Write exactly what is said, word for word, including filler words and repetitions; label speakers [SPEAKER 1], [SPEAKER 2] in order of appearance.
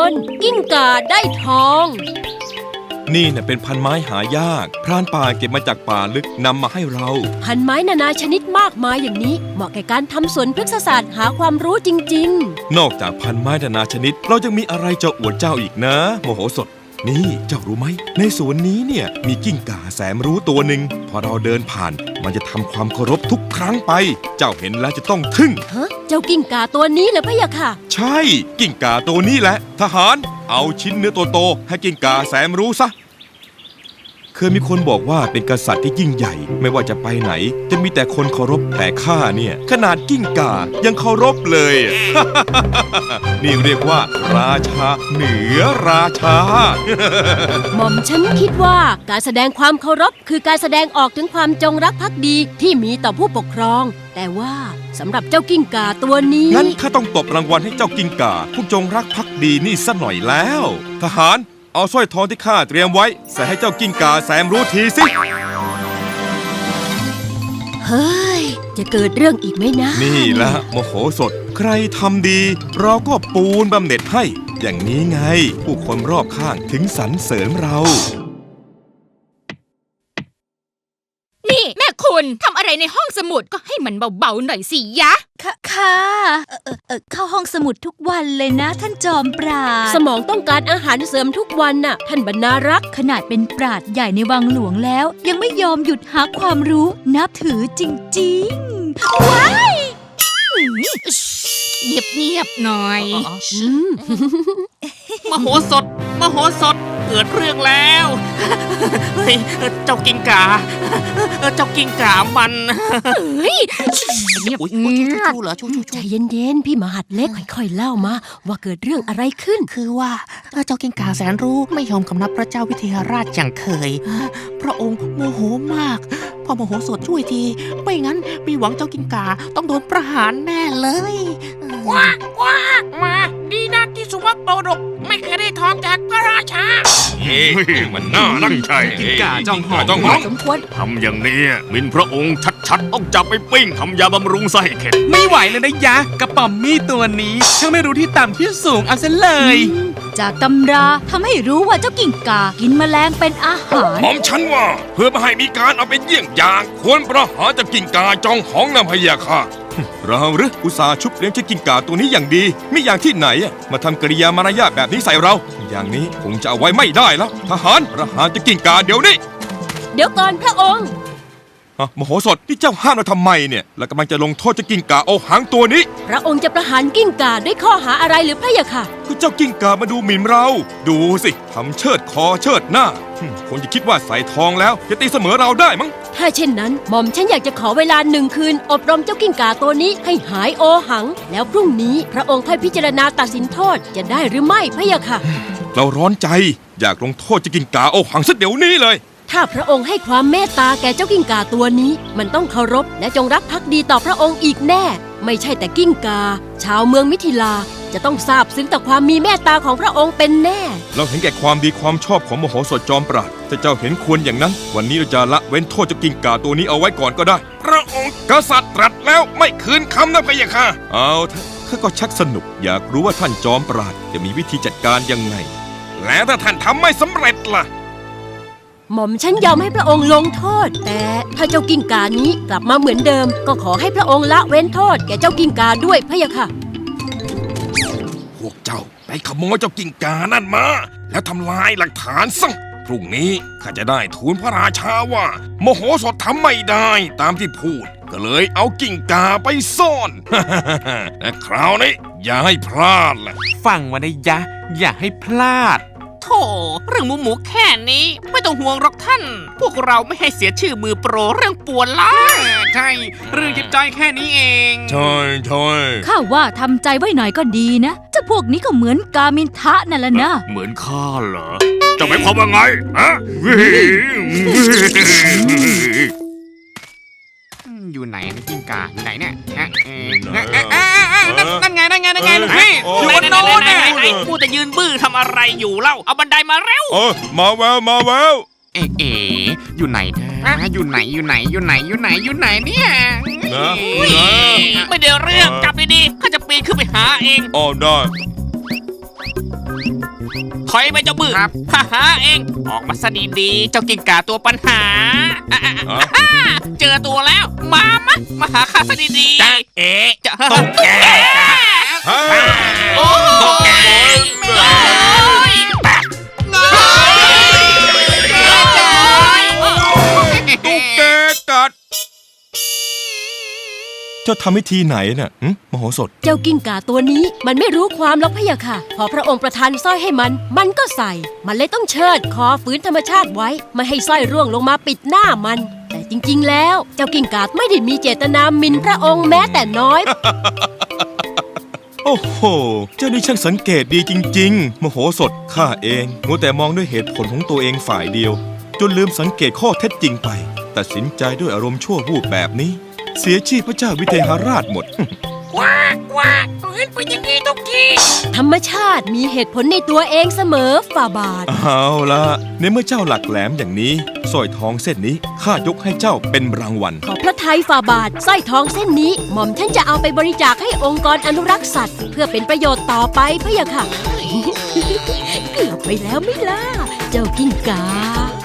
[SPEAKER 1] รกิ้งก่าได้ทอง
[SPEAKER 2] นี่เนี่ยเป็นพันไม้หายากพรานป่าเก็บมาจากป่าลึกนำมาให้เรา
[SPEAKER 1] พันไม้นานาชนิดมากมายอย่างนี้เหมาะแก่การทำสวนพฤกษศาสตร์หาความรู้จริง
[SPEAKER 2] ๆนอกจากพันไม้นานาชนิดเรายังมีอะไรจะอวดเจ้าอีกนะโมโหสดนี่เจ้ารู้ไหมในสวนนี้เนี่ยมีกิ้งก่าแสนรู้ตัวหนึ่งพอเราเดินผ่านมันจะทำความเคารพทุกครั้งไปเจ้าเห็นแล้วจะต้องทึ่ง
[SPEAKER 1] ฮะเจ้ากิ้งก่าตัวนี้เหรอพะยะค่ะ
[SPEAKER 2] ใช่กิ้งก่าตัวนี้แหละทหารเอาชิ้นเนื้อโตๆให้กิ้งก่าแสนรู้ซะเคยมีคนบอกว่าเป็นกษัตริย์ที่ยิ่งใหญ่ไม่ว่าจะไปไหนจะมีแต่คนเคารพแต่ข้าเนี่ยขนาดกิ้งก่ายังเคารพเลย นี่เรียกว่าราชาเหนือราชา
[SPEAKER 1] หม่อมฉันคิดว่าการแสดงความเคารพคือการแสดงออกถึงความจงรักภักดีที่มีต่อผู้ปกครองแต่ว่าสำหรับเจ้ากิ้งก่าตัวนี้
[SPEAKER 2] งั้นข้าต้องตบรางวัลให้เจ้ากิ้งก่าผู้จงรักภักดีนี่ซะหน่อยแล้วทหารเอาสร้อยทองที่ข้าเตรียมไว้ใส่ให้เจ้ากิ้งก่าแสนรู้ทีสิ
[SPEAKER 1] เฮ้ยจะเกิดเรื่องอีกไหมนะ
[SPEAKER 2] นี่ละโมโหสดใครทำดีเราก็ปูนบำเหน็จให้อย่างนี้ไงผู้คนรอบข้างถึงสรรเสริญเรา
[SPEAKER 3] นี่แม่คุณทำอะไรในห้องสมุดก็ให้มันเบาๆหน่อยสิยะ
[SPEAKER 4] ค่ะค่ะเออเออเข้าห้องสมุดทุกวันเลยนะท่านจอมปราชญ์
[SPEAKER 1] สมองต้องการอาหารเสริมทุกวันน่ะท่านบรรณารักษ์
[SPEAKER 4] ขนาดเป็นปราชญ์ใหญ่ในวังหลวงแล้วยังไม่ยอมหยุดหาความรู้นับถือจริงๆว้าย
[SPEAKER 3] เงียบๆหน่อย
[SPEAKER 5] มโหสถมโหสถเกิดเรื่องแล้วเฮ้ยเจ้ากิ้งก่าเจ้ากิ้งก่ามัน
[SPEAKER 3] เฮ้ย
[SPEAKER 5] เงียบชูๆเหรอชูๆ
[SPEAKER 1] ใจเย็นๆพี่มหัดเล็กค่อยๆเล่ามาว่าเกิดเรื่องอะไรขึ้น
[SPEAKER 5] คือว่าเจ้ากิ้งก่าแสนรู้ไม่ยอมคำนับพระเจ้าวิเทหราชอย่างเคยพระองค์โมโหมากพอมโหสถช่วยทีไม่งั้นมีหวังเจ้ากิ้งก่าต้องโดนประหารแน่เลย
[SPEAKER 6] ว้าว้ามาดีนะที่สุวัตโปรดกไม่เคยได้ทองจากพระราชา
[SPEAKER 7] เฮ้ยมันน่ารักใช่
[SPEAKER 8] กิ้งก่าจ้องหอง
[SPEAKER 7] จ้องหอง
[SPEAKER 1] สมควร
[SPEAKER 7] ทำอย่างนี้มินพระองค์ชัดๆต้องจับไปปิ้งทำยาบำรุงไส้เข็ด
[SPEAKER 8] ไม่ไหวเลยนะยะกระป๋อมมี่ตัวนี้ช่างไม่รู้ที่ต่ำที่สูงเอาซะเลย
[SPEAKER 4] จากตำราทำให้รู้ว่าเจ้ากิ้งก่ากินแมลงเป็นอาหาร
[SPEAKER 7] หม่อมฉันว่าเพื่อไม่ให้มีการเอาเป็นเยี่ยงอย่างควรประหารเจ้ากิ้งก่าจ้องหองนำพยาค่ะ
[SPEAKER 2] เราหรืออุตส่าห์ชุบเลี้ยงเจ้ากิ้งก่าตัวนี้อย่างดีไม่อย่างที่ไหนมาทำกริยามารยาทแบบนี้ใส่เราอย่างนี้คงจะเอาไว้ไม่ได้แล้วทหารประหารเจ้ากิ้งก่าเดี๋ยวนี้
[SPEAKER 1] เดี๋ยวก่อนพระองค์
[SPEAKER 2] มโหสถที่เจ้าห้ามเราทำไมเนี่ยและกำลังจะลงโทษเจ้ากิ้งก่าเอาหางตัวนี้
[SPEAKER 1] พระองค์จะประหารกิ้งก่าด้วยข้อหาอะไรหรือพระยะค่ะ
[SPEAKER 2] ก็เจ้ากิ้งก่ามาดูหมิ่นเราดูสิทำเชิดคอเชิดหน้าคงจะคิดว่าใส่ทองแล้วจะตีเสมอเราได้มั้ง
[SPEAKER 1] ถ้าเช่นนั้นหม่อมฉันอยากจะขอเวลาหนึ่งคืนอบรมเจ้ากิ้งก่าตัวนี้ให้หายโอหังแล้วพรุ่งนี้พระองค์ค่อยพิจารณาตัดสินโทษจะได้หรือไม่พระยะค่ะ
[SPEAKER 2] เราร้อนใจอยากลงโทษเจ้ากิ้งก่าโอหังสักเดี๋ยวนี้เลย
[SPEAKER 1] ถ้าพระองค์ให้ความเมตตาแก่เจ้ากิ้งก่าตัวนี้มันต้องเคารพและจงรักภักดีต่อพระองค์อีกแน่ไม่ใช่แต่กิ้งก่าชาวเมืองมิถิลาจะต้องซาบซึ้งต่อความมีเมตตาของพระองค์เป็นแน่
[SPEAKER 2] เราเห็นแก่ความดีความชอบของมโหสถจอมปราชญ์ถ้าเจ้าเห็นควรอย่างนั้นวันนี้เราจะละเว้นโทษเจ้ากิ้งก่าตัวนี้เอาไว้ก่อนก็ได้
[SPEAKER 7] พระองค์กษัตริย์ตรัสแล้วไม่คืนคำนะพะยะค่ะ
[SPEAKER 2] เอาเถอะข้าก็ชักสนุกอยากรู้ว่าท่านจอมปราชญ์จะมีวิธีจัดการยังไง
[SPEAKER 7] แล้วถ้าท่านทำไม่สำเร็จล่ะ
[SPEAKER 1] หม่อมฉันยอมให้พระองค์ลงโทษแต่ถ้าเจ้ากิ้งก่านี้กลับมาเหมือนเดิมก็ขอให้พระองค์ละเว้นโทษแก่เจ้ากิ้งก่าด้วยพะยะค่ะ
[SPEAKER 7] พวกเจ้าไปขโมยเจ้ากิ้งก่านั่นมาแล้วทำลายหลักฐานซะพรุ่งนี้ข้าจะได้ทูลพระราชาว่าโมโหสถทำไม่ได้ตามที่พูดก็เลยเอากิ้งก่าไปซ่อนและคราวนี้อย่าให้พลาดล่ะ
[SPEAKER 8] ฟังไว้นะยะอย่าให้พลาด
[SPEAKER 5] โธ่เรื่องหมูหมูแค่นี้ไม่ต้องห่วงหรอกท่านพวกเราไม่ให้เสียชื่อมือโปรเรื่องป่วนล้า
[SPEAKER 8] ใช่เรื่องจิตใจแค่นี้เอง
[SPEAKER 2] ใช่ใช่
[SPEAKER 4] ข้าว่าทำใจไว้หน่อยก็ดีนะเจ้าพวกนี้ก็เหมือนกามินทะนั่นแหละนะ
[SPEAKER 7] เหมือนข้าเหรอจะหมายความว่าไงฮะ
[SPEAKER 8] อยู่ไหนกิ้งก่าอยู่ไหนเนี่ยนั่นไงนั่นไงนั่นไงเฮ้ย
[SPEAKER 5] อยู่บนโน้นน่ะไอ้กูจะยืนบื้อทำอะไรอยู่เล่าเอาบันไดมาเร็ว
[SPEAKER 2] เออมาแววมาแวว
[SPEAKER 8] เอ๋เอ๋อยู่ไหนนะอยู่ไหนอยู่ไหนอยู่ไหนอยู่ไหนอยู่ไหนเนี่ย
[SPEAKER 5] ไม่เดี๋ยวเรื่องจับดีๆข้าจะปีนขึ้นไปหาเอง
[SPEAKER 2] อ๋อได้
[SPEAKER 6] ถอยไปเจ้าบื้อครับฮ่าฮ่าเอง ออกมาซะดีๆ เจ้ากิ้งก่าตัวปัญหาอ่ะอ่ะอ่ะอ่ะเจอตัวแล้ว มามะมาหาข้าซะดีๆจ้าเอ๋จะตุ๊กแกจ้า
[SPEAKER 2] เฮ้ย
[SPEAKER 6] โอ้ตุ๊กแกเงยแปะเงย
[SPEAKER 2] ตุ๊กแกกัด เจ้าทำวิธีไหนน่ะหึมโหสถ
[SPEAKER 1] เจ้ากิ้งก่าตัวนี้มันไม่รู้ความหรอกพะยะค่ะ พอพระองค์ประทานสร้อยให้มัน มันก็ใส่ มันเลยต้องเชิดคอฝืนธรรมชาติไว้ไม่ให้สร้อยร่วงลงมาปิดหน้ามัน แต่จริงๆแล้วเจ้ากิ้งก่าไม่ได้มีเจตนาหมิ่นพระองค์แม้แต่น้อย
[SPEAKER 2] โอ้โห เจ้านี่ช่างสังเกตดีจริงๆ มโหสถข้าเองมัวแต่มองด้วยเหตุผลของตัวเองฝ่ายเดียว จนลืมสังเกตข้อเท็จจริงไป ตัดสินใจด้วยอารมณ์ชั่ววูบแบบนี้ เสียชีพพระเจ้าวิเทหราชหมด
[SPEAKER 6] ว้ากว้ากเห็นเป็นยังไงตุ๊กกี้
[SPEAKER 1] ธรรมชาติมีเหตุผลในตัวเองเสมอฝ่าบาท
[SPEAKER 2] เอาละในเมื่อเจ้าหลักแหลมอย่างนี้สร้อยทองเส้นนี้ข้ายกให้เจ้าเป็นรางวัล
[SPEAKER 1] ขอพระทัยฝ่าบาทสร้อยทองเส้นนี้หม่อมฉันจะเอาไปบริจาคให้องค์กรอนุรักษ์สัตว์ เพื่อเป็นประโยชน์ต่อไปพะยะค่ะ เกือบไปแล้วไม่ล่ะเจ้ากิ้งกา